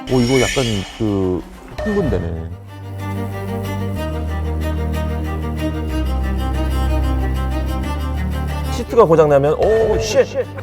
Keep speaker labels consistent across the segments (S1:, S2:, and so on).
S1: 오, 이거 약간 그 흥분되네. 시트가 고장나면 오, 쉣!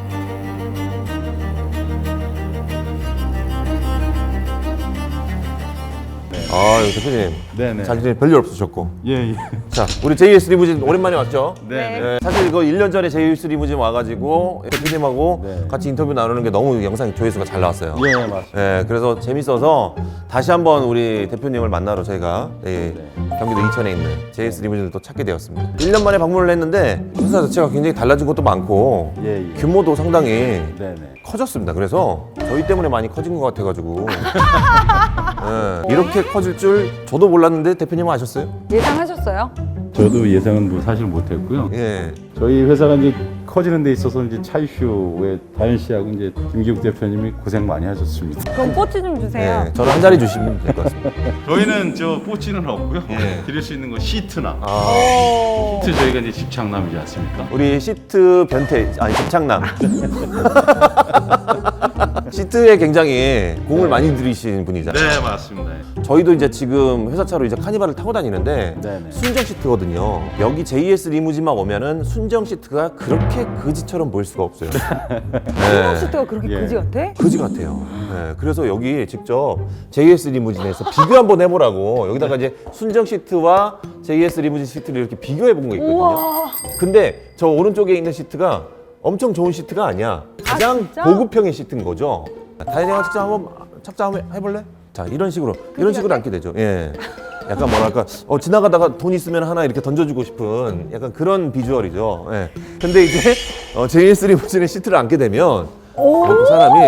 S1: 아, 대표님.
S2: 네네.
S1: 잘 지내 별일 없으셨고.
S2: 예, 예.
S1: 자, 우리 JS 리무진 오랜만에 왔죠?
S2: 네.
S1: 네, 사실 이거 1년 전에 JS 리무진 와가지고 대표님하고
S2: 네.
S1: 같이 인터뷰 나누는 게 너무 영상 조회수가 잘 나왔어요.
S2: 예, 맞습니다.
S1: 네, 그래서 재밌어서 다시 한번 우리 대표님을 만나러 저희가 경기도 이천에 있는 JS 리무진을 또 찾게 되었습니다. 1년 만에 방문을 했는데 회사 자체가 굉장히 달라진 것도 많고
S2: 예, 예.
S1: 규모도 상당히
S2: 네네.
S1: 커졌습니다. 그래서 저희 때문에 많이 커진 것 같아가지고 네, 이렇게 커질 줄 저도 몰랐는데 대표님은 아셨어요?
S3: 예상하셨어요?
S2: 저도 예상은 뭐 사실 못했고요.
S1: 예.
S2: 저희 회사가 이제 커지는 데 있어서 이제 차이슈의 다현 씨하고 이제 김기욱 대표님이 고생 많이 하셨습니다.
S3: 그럼 뽀찌 좀 주세요.
S1: 네, 저는 한 자리 주시면 될 것 같습니다.
S2: 저희는 저 뽀찌는 없고요.
S1: 예.
S2: 드릴 수 있는 건 시트나.
S3: 오.
S2: 시트 저희가 이제 집착남이지 않습니까?
S1: 우리 시트 변태 아니 집착남 시트에 굉장히 공을 많이 들이신 분이잖아요.
S2: 네, 맞습니다.
S1: 저희도 이제 지금 회사 차로 이제 카니발을 타고 다니는데
S2: 네네.
S1: 순정 시트거든요. 여기 JS 리무진만 오면은 순정 시트가 그렇게 그지처럼 보일 수가 없어요. 네.
S3: 시트가 그렇게
S2: 예.
S3: 그지 같아?
S1: 그지 같아요. 네, 그래서 여기 직접 JS 리무진에서 비교 한번 해보라고 여기다가 이제 순정 시트와 JS 리무진 시트를 이렇게 비교해 본 거 있거든요.
S3: 우와.
S1: 근데 저 오른쪽에 있는 시트가 엄청 좋은 시트가 아니야. 가장
S3: 진짜?
S1: 고급형의 시트인 거죠. 다현이가 착장 한번 해볼래? 자, 이런 식으로 앉게 되죠. 예. 약간 뭐랄까 지나가다가 돈 있으면 하나 이렇게 던져주고 싶은 약간 그런 비주얼이죠. 예. 근데 이제 JS 리무진의 시트를 앉게 되면
S3: 오.
S1: 그 사람이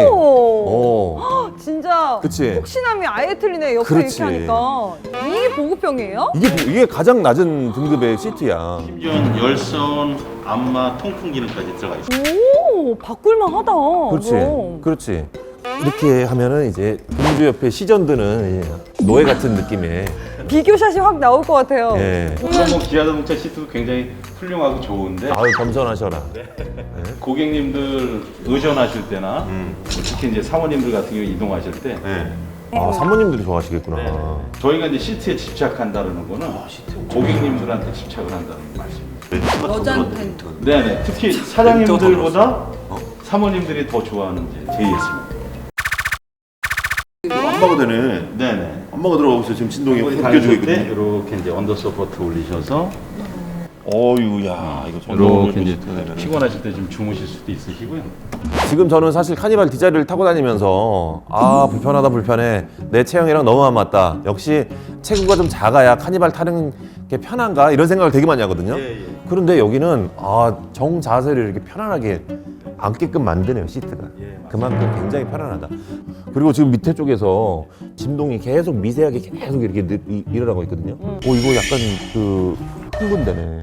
S3: 진짜
S1: 그치.
S3: 혹시남이 아예 틀리네. 옆에
S1: 그렇지.
S3: 이렇게 하니까. 이게 보급형이에요?
S1: 이게 가장 낮은 등급의 시트야.
S4: 심지어 열선, 안마, 통풍 기능까지 들어가 있어요.
S3: 오, 바꿀만 하다.
S1: 그렇지.
S3: 그럼.
S1: 그렇지. 이렇게 하면은 이제 공주 옆에 시전드는 이제 노예 같은 느낌의
S3: 비교샷이 확 나올 것 같아요.
S1: 예.
S2: 그럼 뭐 기아자동차 시트도 굉장히 훌륭하고 좋은데
S1: 아유 겸손하셔라.
S2: 고객님들 의전하실 때나 뭐 특히 이제 사모님들 같은 경우 이동하실 때
S1: 아, 사모님들이 좋아하시겠구나.
S2: 저희가 이제 시트에 집착한다는 거는 고객님들한테 집착을 한다는 말씀입니다.
S3: 여자한테.
S2: 네네. 특히 사장님들보다 사모님들이 더 좋아하는 이제 JS입니다.
S1: 엄마가 되네.
S2: 네네.
S1: 엄마가 들어가고 있어. 지금 진동이
S2: 거기
S1: 느껴지고
S2: 다니실 때
S1: 있거든요.
S2: 이렇게 이제 언더 서포트 올리셔서
S1: 어유야 이거
S2: 이렇게 이제 피곤하실 때 좀 주무실 수도 있으시고요.
S1: 지금 저는 사실 카니발 뒷자리를 타고 다니면서 아 불편하다 불편해 내 체형이랑 너무 안 맞다. 역시 체구가 좀 작아야 카니발 타는 게 편한가 이런 생각을 되게 많이 하거든요. 그런데 여기는 정 자세를 이렇게 편안하게 앉게끔 만드네요 시트가. 그만큼 굉장히 편안하다. 그리고 지금 밑에 쪽에서 진동이 계속 미세하게 계속 이렇게 일어나고 있거든요. 오 이거 약간 그 흥분되네.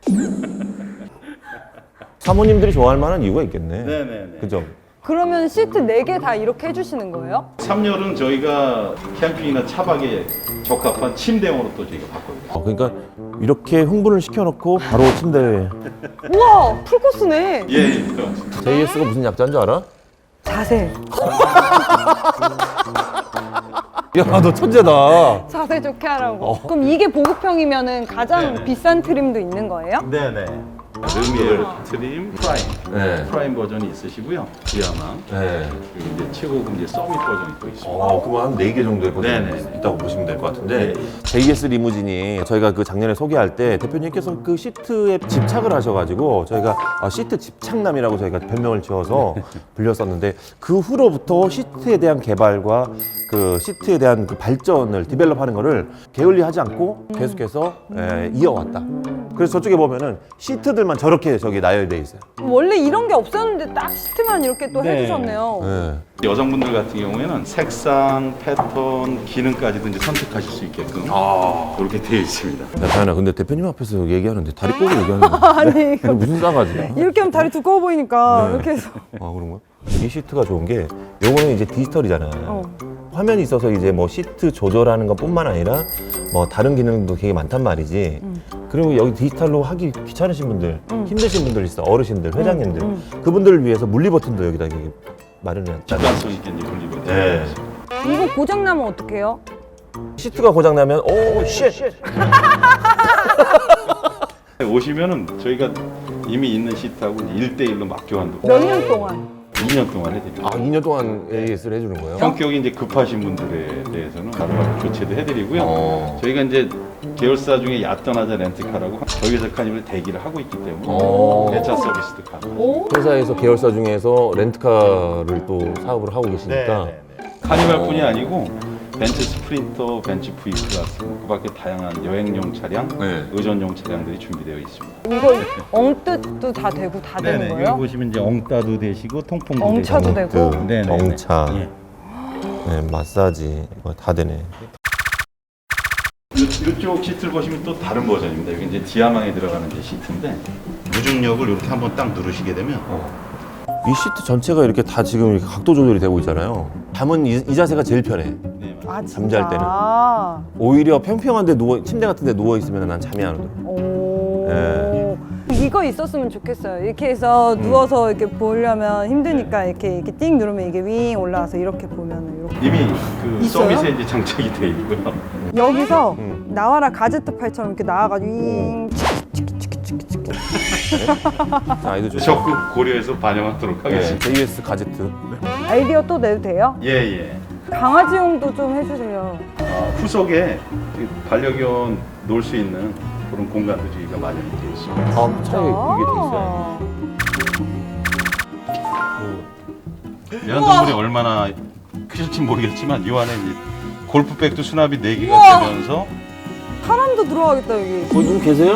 S1: 사모님들이 좋아할 만한 이유가 있겠네.
S2: 네네네.
S1: 그죠?
S3: 그러면 시트 4개 다 이렇게 해주시는 거예요?
S2: 3열은 저희가 캠핑이나 차박에 적합한 침대용으로 또 저희가 바꿔요.
S1: 그러니까 이렇게 흥분을 시켜놓고 바로 침대에
S3: 우와, 풀코스네.
S2: 예.
S1: JS가 무슨 약자인 줄 알아?
S3: 자세.
S1: 야 너 천재다.
S3: 자세 좋게 하라고. 그럼 이게 보급형이면은 가장
S2: 네네.
S3: 비싼 트림도 있는 거예요?
S2: 네네. 르미엘 트림 프라임.
S1: 네.
S2: 프라임 버전이 있으시고요. 지하망.
S1: 네.
S2: 그리고 이제 최고급 이제 서밋 버전이 또 있습니다.
S1: 그럼 한 4개 정도의 버전이
S2: 네네.
S1: 있다고 보시면 될 것 같은데
S2: 네.
S1: JS 리무진이 저희가 그 작년에 소개할 때 대표님께서 그 시트에 집착을 하셔가지고 저희가 시트 집착남이라고 저희가 별명을 지어서 불렸었는데 그 후로부터 시트에 대한 개발과 그 시트에 대한 그 발전을 디벨롭하는 거를 게을리하지 않고 계속해서 이어왔다. 그래서 저쪽에 보면은 시트들만 저렇게 저기 나열돼 있어요.
S3: 원래 이런 게 없었는데 딱 시트만 이렇게 또
S2: 네.
S3: 해주셨네요.
S1: 네.
S2: 여성분들 같은 경우에는 색상, 패턴, 기능까지도 이제 선택하실 수 있게끔 이렇게 되어 있습니다.
S1: 야, 다현아, 근데 대표님 앞에서 얘기하는데 다리 꼬고 얘기하는 거
S3: 아니,
S1: 이거 무슨 싸가지야?
S3: 이렇게 하면 다리 두꺼워 보이니까
S1: 네.
S3: 이렇게 해서.
S1: 그런 거야? 이 시트가 좋은 게 요거는 이제 디지털이잖아요. 화면이 있어서 이제 뭐 시트 조절하는 것뿐만 아니라 뭐 다른 기능도 되게 많단 말이지. 그리고 여기 디지털로 하기 귀찮으신 분들, 힘드신 분들 있어. 어르신들, 회장님들. 그분들을 위해서 물리 버튼도 여기다 이렇게 마련해놨다.
S2: 직관성 있게 이제 돌리고
S1: 네.
S3: 이거 고장 나면 어떡해요?
S1: 시트가 고장 나면 오 쉣.
S2: 오시면은 저희가 이미 있는 시트하고 1대1로 막 교환도
S3: 몇 년 동안?
S2: 2년 동안 해드립니다.
S1: 아 2년 동안 AS를 해주는 거예요?
S2: 성격이 이제 급하신 분들에 대해서는 바로바로 교체도 해드리고요.
S1: 어.
S2: 저희가 이제 계열사 중에 야떠나자 렌트카라고 저희 회사 카니발 대기를 하고 있기 때문에
S1: 어.
S2: 배차 서비스도 가능.
S3: 오?
S1: 회사에서 계열사 중에서 렌트카를 또 사업을 하고 계시니까
S2: 카니발뿐이 아니고 벤츠 스프린터, 벤츠 V 클래스, 그 밖에 다양한 여행용 차량,
S1: 네.
S2: 의전용 차량들이 준비되어 있습니다.
S3: 이거 엉뜻도 다 되고 다 되는
S2: 여기
S3: 거예요?
S2: 보시면 이제 엉따도 되시고 통풍도
S3: 엉차도
S2: 되시고.
S3: 되고?
S2: 네네네.
S1: 엉차,
S2: 예.
S1: 네, 마사지 이거 다 되네.
S2: 이쪽 시트를 보시면 또 다른 버전입니다. 여기 이제 지하망에 들어가는 이제 시트인데
S4: 무중력을 이렇게 한번 딱 누르시게 되면
S1: 이 시트 전체가 이렇게 다 지금 이렇게 각도 조절이 되고 있잖아요. 잠은 이 자세가 제일 편해.
S2: 네,
S3: 아, 진짜?
S1: 잠잘 때는. 오히려 평평한데 침대 같은데 누워 있으면 난 잠이 안 오더라고.
S3: 오.
S1: 예.
S3: 이거 있었으면 좋겠어요. 이렇게 해서 누워서 이렇게 보려면 힘드니까 이렇게 띵 누르면 이게 윙 올라와서 이렇게 보면은 이렇게.
S2: 이미 그
S3: 있어요?
S2: 서밋에 이제 장착이 되어 있고요.
S3: 여기서 나와라 가제트 팔처럼 이렇게 나와가지고 윙 치키치키치키치키.
S1: 아이도 좋죠.
S2: 적극 고려해서 반영하도록
S1: 네,
S2: 하겠습니다.
S1: JS 가제트.
S3: 아이디어 또 내도 돼요?
S2: 예예.
S3: 강아지용도 좀 해주세요.
S2: 후속에 그 반려견 놀 수 있는 그런 공간도 저희가 마련이 되어 있습니다.
S1: 아, 차에 이게 돼 있어요.
S2: 애완동물이 얼마나 크실지 모르겠지만 이 안에 이제 골프백도 수납이 4개가
S3: 우와.
S2: 되면서
S3: 사람도 들어가겠다 여기.
S1: 거기 누구 계세요?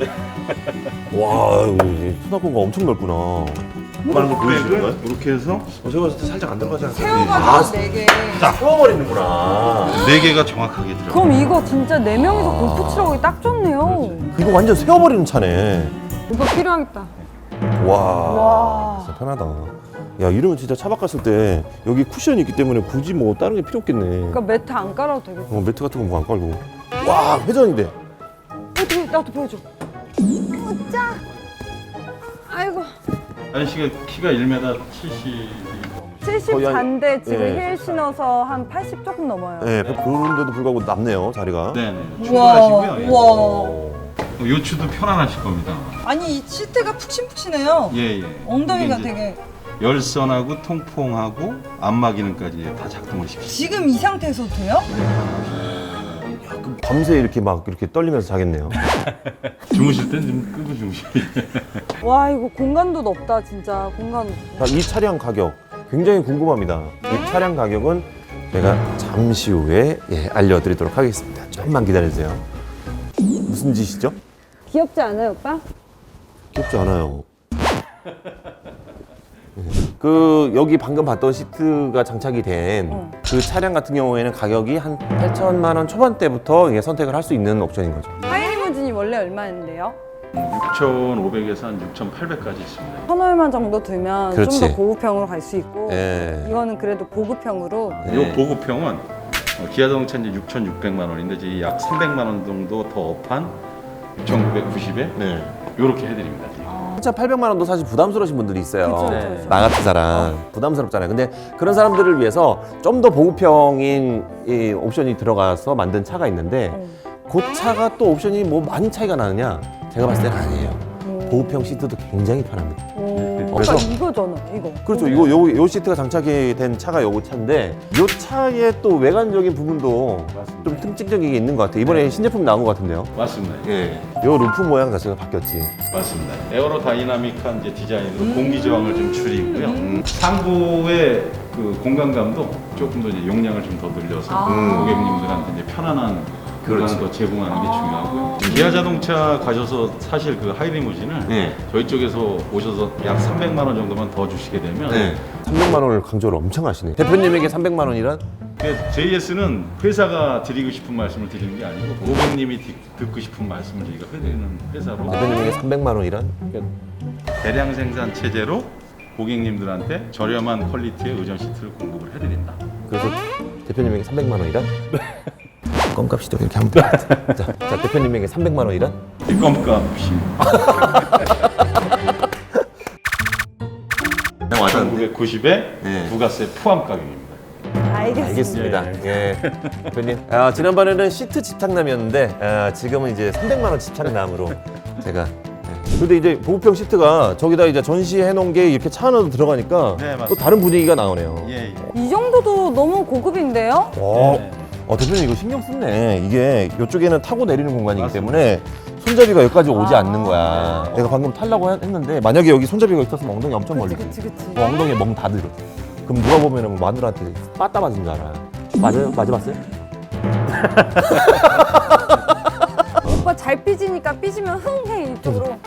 S1: 와, 이거 수납 공간 엄청 넓구나.
S4: 하는 거 보여주는 거예요?
S2: 이렇게 해서
S1: 제가 봤을 때 살짝 안 들어가지 않아요?
S3: 세워가지고 4개.
S1: 세워버리는구나.
S2: 4개가 정확하게 들어가요.
S3: 그럼 이거 진짜 4명이서 골프 치러 가기 딱 좋네요.
S1: 이거 완전 세워버리는 차네.
S3: 오빠 필요하겠다.
S1: 와,
S3: 와.
S1: 진짜 편하다. 야, 이러면 진짜 차박 갔을 때 여기 쿠션이 있기 때문에 굳이 뭐 다른 게 필요 없겠네.
S3: 그러니까 매트 안 깔아도 되겠다.
S1: 매트 같은 거 뭐 안 깔고. 와, 회전이 돼.
S3: 어떻게 나도 보여줘. 웃자. 아이고.
S2: 아저씨가 키가 1m 70.
S1: 거의 한-
S3: 74인데 지금
S1: 예.
S3: 힐 신어서 한 80 조금 넘어요.
S1: 네, 그런데도 불구하고 남네요, 자리가.
S2: 네네.
S3: 우와.
S2: 충분하시고요. 예.
S3: 우와.
S2: 요추도 편안하실 겁니다.
S3: 아니 이 시트가 푹신푹신해요.
S2: 예예.
S3: 엉덩이가 되게
S2: 열선하고 통풍하고 안마 기능까지 다 작동을 시키죠.
S3: 지금 이 상태에서 돼요?
S1: 밤새 이렇게 막 이렇게 떨리면서 자겠네요.
S2: 주무실 땐 좀 끄고 주무시면.
S3: 와 이거 공간도 넓다 진짜 공간.
S1: 자, 이 차량 가격 굉장히 궁금합니다. 이 차량 가격은 제가 잠시 후에 알려드리도록 하겠습니다. 조금만 기다려주세요. 무슨 짓이죠?
S3: 귀엽지 않아요 오빠?
S1: 귀엽지 않아요. 그 여기 방금 봤던 시트가 장착이 된 그 차량 같은 경우에는 가격이 한 8천만 원 초반대부터 이게 선택을 할 수 있는 옵션인 거죠.
S3: 하이리무진이 원래 얼마인데요?
S2: 6,500에서 한 6,800까지 있습니다.
S3: 1,000얼마 정도 들면 좀
S1: 그렇지.
S3: 더 고급형으로 갈 수 있고
S1: 예.
S3: 이거는 그래도 보급형으로
S2: 이 보급형은 기아자동차 이제 6,600만 원인데 이제 약 300만 원 정도 더 업한 6,990에
S1: 네.
S2: 이렇게 해드립니다. 지금.
S1: 1,800만 원도 사실 부담스러우신 분들이 있어요.
S3: 그쵸,
S2: 그쵸, 그쵸.
S1: 나 같은 사람 부담스럽잖아요. 근데 그런 사람들을 위해서 좀 더 보급형인 이 옵션이 들어가서 만든 차가 있는데 그 차가 또 옵션이 뭐 많이 차이가 나느냐? 제가 봤을 때는 아니에요. 보급형 시트도 굉장히 편합니다.
S3: 그래서
S1: 그래서-
S3: 이거잖아 이거.
S1: 그렇죠. 요 시트가 장착이 된 차가 요거 차인데 요 차의 또 외관적인 부분도
S2: 맞습니다.
S1: 좀 특징적이게 있는 것 같아요. 이번에 신제품 나온 것 같은데요.
S2: 맞습니다.
S1: 예. 요 루프 모양 자체가 바뀌었지.
S2: 맞습니다. 에어로 다이나믹한 이제 디자인으로 공기 저항을 좀 줄이고요. 상부의 그 공간감도 조금 더 이제 용량을 좀 더 늘려서 고객님들한테 이제 편안한 공간을 더 제공하는 게 중요하고요. 기아 자동차 가셔서 사실 그 하이리무진을
S1: 네.
S2: 저희 쪽에서 오셔서 약 300만 원 정도만 더 주시게 되면
S1: 300만 원을 강조를 엄청 하시네. 대표님에게 300만 원이란?
S2: JS는 회사가 드리고 싶은 말씀을 드리는 게 아니고 고객님이 듣고 싶은 말씀을 저희가 해드리는 회사로
S1: 대표님에게 300만 원이란?
S2: 대량 생산 체제로 고객님들한테 저렴한 퀄리티의 의전 시트를 공급을 해드린다.
S1: 그래서 대표님에게 300만 원이란? 껌값이도 이렇게 하면 돼. 자, 대표님에게 300만 원이란?
S2: 껌값이
S1: 그냥 와닿는데?
S2: 1990에
S1: 네.
S2: 부가세 포함 가격입니다.
S3: 알겠습니다.
S1: 예. 대표님. 지난번에는 시트 집착남이었는데 지금은 이제 300만 원 집착남으로 제가. 근데 이제 보급형 시트가 저기다 이제 전시해 놓은 게 이렇게 차 안으로 들어가니까
S2: 네, 맞습니다.
S1: 또 다른 분위기가 나오네요.
S2: 예, 예.
S3: 이 정도도 너무 고급인데요?
S1: 대표님 이거 신경 썼네. 이게 이쪽에는 타고 내리는 공간이기 때문에 손잡이가 여기까지 오지 않는 거야. 내가 방금 타려고 했는데 만약에 여기 손잡이가 있었으면 엉덩이 엄청 멀리.
S3: 그치.
S1: 엉덩이에 멍 다 들어. 그럼 누가 보면은 마누라한테 빠따 맞은 줄 알아. 맞아요? 맞아봤어요?
S3: 오빠 잘 삐지니까 삐지면 흥해 이쪽으로.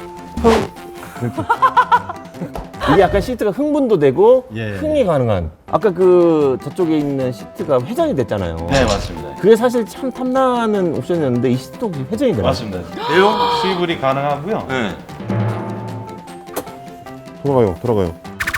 S1: 이게 약간 시트가 흥분도 되고
S2: 예.
S1: 흥이 가능한. 아까 그 저쪽에 있는 시트가 회전이 됐잖아요.
S2: 네, 맞습니다.
S1: 그게 사실 참 탐나는 옵션이었는데 이 시트도 회전이 되나?
S2: 맞습니다. 내용 수입이 가능하고요.
S1: 네. 돌아가요.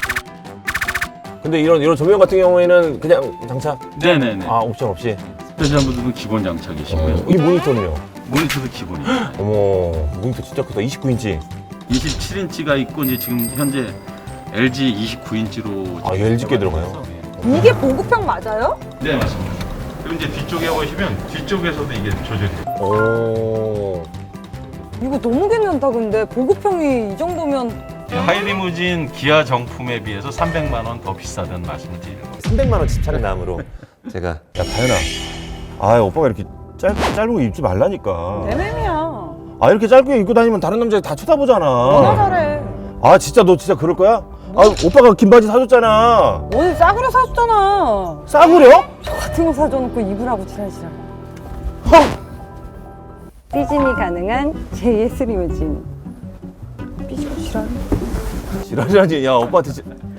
S1: 근데 이런 조명 같은 경우에는 그냥 장착.
S2: 네네네.
S1: 옵션 없이.
S2: 스페셜분들은 기본 장착이시고요.
S1: 이 모니터는요?
S2: 모니터도 기본이에요.
S1: 어머, 모니터 진짜 크다. 29인치.
S2: 27인치가 있고 이제 지금 현재 LG 29인치로
S1: LG 게 들어가요?
S3: 이게 보급형 맞아요?
S2: 네, 맞습니다. 그리고 이제 뒤쪽에 보시면 뒤쪽에서도 이게 조절이 돼요.
S1: 오.
S3: 이거 너무 괜찮다 근데 보급형이 이 정도면
S2: 하이리무진 기아 정품에 비해서 300만 원 더 비싸다는 말씀을 드리는 거예요.
S1: 300만 원 집착남으로 제가. 야, 다현아. 오빠가 이렇게 짧은 거 입지 말라니까.
S3: MM이야.
S1: 이렇게 짧게 입고 다니면 다른 남자들 다 쳐다보잖아.
S3: 너나 잘해.
S1: 진짜 너 진짜 그럴 거야? 오빠가 긴 바지 사줬잖아.
S3: 오늘 싸구려 사줬잖아.
S1: 싸구려?
S3: 저 같은 거 사줘놓고 입으라고 지랄지랄. 삐짐이 가능한 JS 리무진. 삐지고 지랄.
S1: 지랄이라지. 야, 오빠한테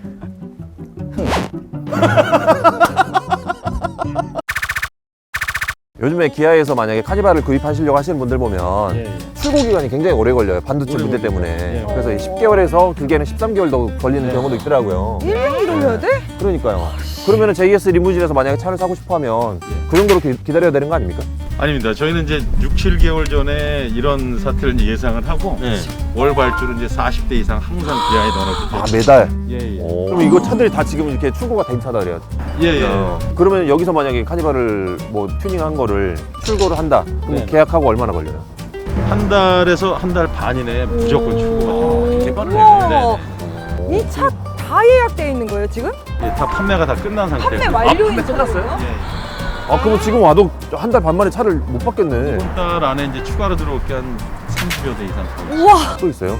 S1: 요즘에 기아에서 만약에 카니발을 구입하시려고 하시는 분들 보면 출고 기간이 굉장히 오래 걸려요. 반도체 문제 때문에. 그래서 10개월에서 길게는 13개월도 걸리는 경우도 있더라고요.
S3: 1년 기다려야 돼?
S1: 그러니까요. 그러면은 JS 리무진에서 만약에 차를 사고 싶어 하면 그 정도로 기다려야 되는 거 아닙니까?
S2: 아닙니다. 저희는 이제 6, 7개월 전에 이런 사태를 이제 예상을 하고 월 발주를 이제 40대 이상 항상 기아에 넣어놓기 때문에.
S1: 매달?
S2: 예.
S1: 그럼 이거 차들이 다 지금 이렇게 출고가 된 차들이야.
S2: 예.
S1: 그러면 여기서 만약에 카니발을 뭐 튜닝한 거를 출고를 한다. 그럼 계약하고 얼마나 걸려요?
S2: 한 달에서 한 달 반 이내에 무조건 출고가 됩니다.
S3: 우와. 이 차 다 예약돼 있는 거예요 지금?
S2: 예, 다 판매가 다 끝난 상태예요.
S3: 판매 완료인 거예요?
S1: 그럼 지금 와도 한 달 반 만에 차를 못 받겠네.
S2: 이번 달 안에 이제 추가로 들어올 게 한 30여 대 이상 들어오고
S3: 우와.
S1: 또 있어요?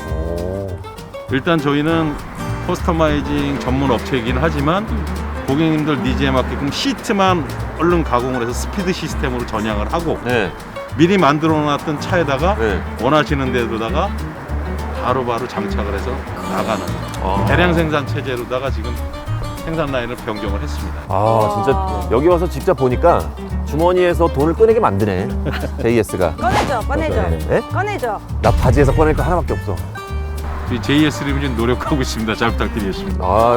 S2: 일단 저희는 커스터마이징 전문 업체이긴 하지만 고객님들 니즈에 맞게끔 시트만 얼른 가공을 해서 스피드 시스템으로 전향을 하고
S1: 네.
S2: 미리 만들어 놨던 차에다가
S1: 네.
S2: 원하시는 데로다가 바로바로 장착을 해서 나가는 대량 생산 체제로다가 지금 생산 라인을 변경을 했습니다.
S1: 진짜 여기 와서 직접 보니까 주머니에서 돈을 꺼내게 만드네. JS가.
S3: 꺼내줘.
S1: 네?
S3: 꺼내줘.
S1: 나 바지에서 꺼낼 거 하나밖에 없어.
S2: 저희 JS 리무진 노력하고 있습니다. 잘 부탁드리겠습니다.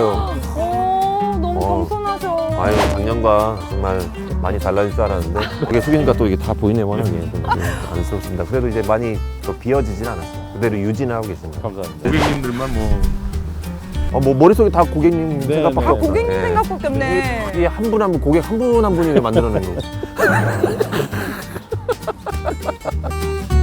S3: 너무 겸손하셔.
S1: 작년과 정말 많이 달라질 줄 알았는데 이게 숙이니까 또 이게 다 보이네 워낙에 좀 안쓰럽습니다. 그래도 이제 많이 또 비어지진 않았어요. 그대로 유지는 하고 계십니다.
S2: 감사합니다. 고객님들만 뭐
S1: 머릿속에 다 고객님 생각밖에 없어요.
S3: 고객님
S1: 네.
S3: 생각밖에 없네.
S1: 이게 한 분 한 분 고객 한 분 한 분이 만들어낸 거.